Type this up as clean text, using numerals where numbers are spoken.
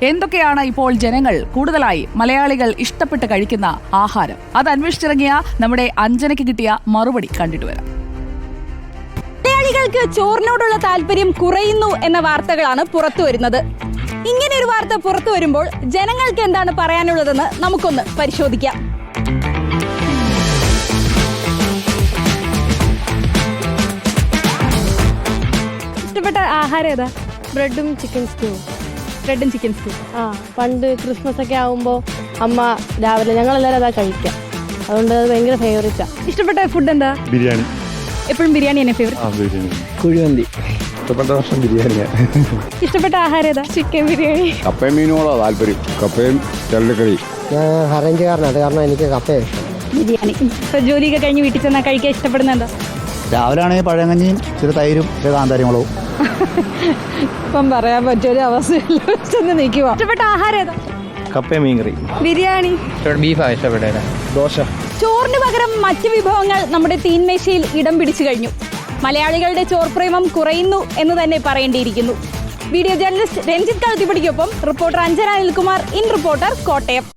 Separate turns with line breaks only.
എന്തൊക്കെയാണ് ഇപ്പോൾ ജനങ്ങൾ കൂടുതലായി മലയാളികൾ ഇഷ്ടപ്പെട്ട് കഴിക്കുന്ന ആഹാരം? അത് അന്വേഷിച്ചിറങ്ങിയ നമ്മുടെ അഞ്ജനയ്ക്ക് കിട്ടിയ മറുപടി കണ്ടിട്ട് വരാം.
മലയാളികൾക്ക് ചോറിനോടുള്ള താല്പര്യം കുറയുന്നു എന്ന വാർത്തകളാണ് പുറത്തു വരുന്നത്. ഇങ്ങനെ ഒരു വാർത്ത പുറത്തു വരുമ്പോൾ ജനങ്ങൾക്ക് എന്താണ് പറയാനുള്ളതെന്ന് നമുക്കൊന്ന് പരിശോധിക്കാം. ഇഷ്ടപ്പെട്ട ആഹാരം ഏതാ?
ബ്രെഡും ചിക്കൻ സ്റ്റൂ.
ബ്രെഡും ചിക്കൻ സ്റ്റൂ.
പണ്ട് ക്രിസ്മസ് ഒക്കെ ആകുമ്പോൾ അമ്മ രാവിലെ ഞങ്ങളെല്ലാവരും അതാ കഴിക്കാം. അതുകൊണ്ട് അത് ഭയങ്കര ഫേവറേറ്റാ.
ഇഷ്ടപ്പെട്ട ഫുഡ് എന്താ?
ബിരിയാണി.
എപ്പോഴും ബിരിയാണി തന്നെ ഫേവറേറ്റ്.
കുഴിമന്തി. ഇഷ്ടപ്പെട്ട ഭക്ഷണം ബിരിയാണിയാണ്.
ഇഷ്ടപ്പെട്ട ആഹാരം ഏതാ?
ചിക്കൻ ബിരിയാണി.
കപ്പയും മീനുകളോ താല്പര്യം. കപ്പയും ചരടുക്കറി.
ഞാൻ ഹറഞ്ചുകാരനാണ്, അത് കാരണം എനിക്ക് കപ്പയാണ് ഇഷ്ടം.
ബിരിയാണി. ഇപ്പൊ ജോലിയൊക്കെ കഴിഞ്ഞ് വീട്ടിൽ ചെന്നാൽ കഴിക്കാൻ ഇഷ്ടപ്പെടുന്ന എന്താ?
രാവിലെ ആണെങ്കിൽ പഴങ്കഞ്ഞിയും ഇച്ചിരി തൈരും ഇച്ചിരി കാന്താരിമുളകും.
ഇപ്പം പറയാൻ പറ്റിയൊരു അവസ്ഥയിൽ നിൽക്കുക.
ഇഷ്ടപ്പെട്ട ആഹാരം ഏതാ?
കപ്പയും മീൻകറി.
ബിരിയാണി.
ബീഫാണ് ഇഷ്ടപ്പെട്ടത്. ദോശ.
ചോറിന് പകരം മറ്റ് വിഭവങ്ങൾ നമ്മുടെ തീൻമേശയിൽ ഇടം പിടിച്ചു കഴിഞ്ഞു. മലയാളികളുടെ ചോർപ്രേമം കുറയുന്നു എന്ന് തന്നെ പറയേണ്ടിയിരിക്കുന്നു. വീഡിയോ ജേർണലിസ്റ്റ് രഞ്ജിത്ത് കളത്തിപ്പടിക്കൊപ്പം reporter Anjana Anilkumar, in reporter, Kottayam.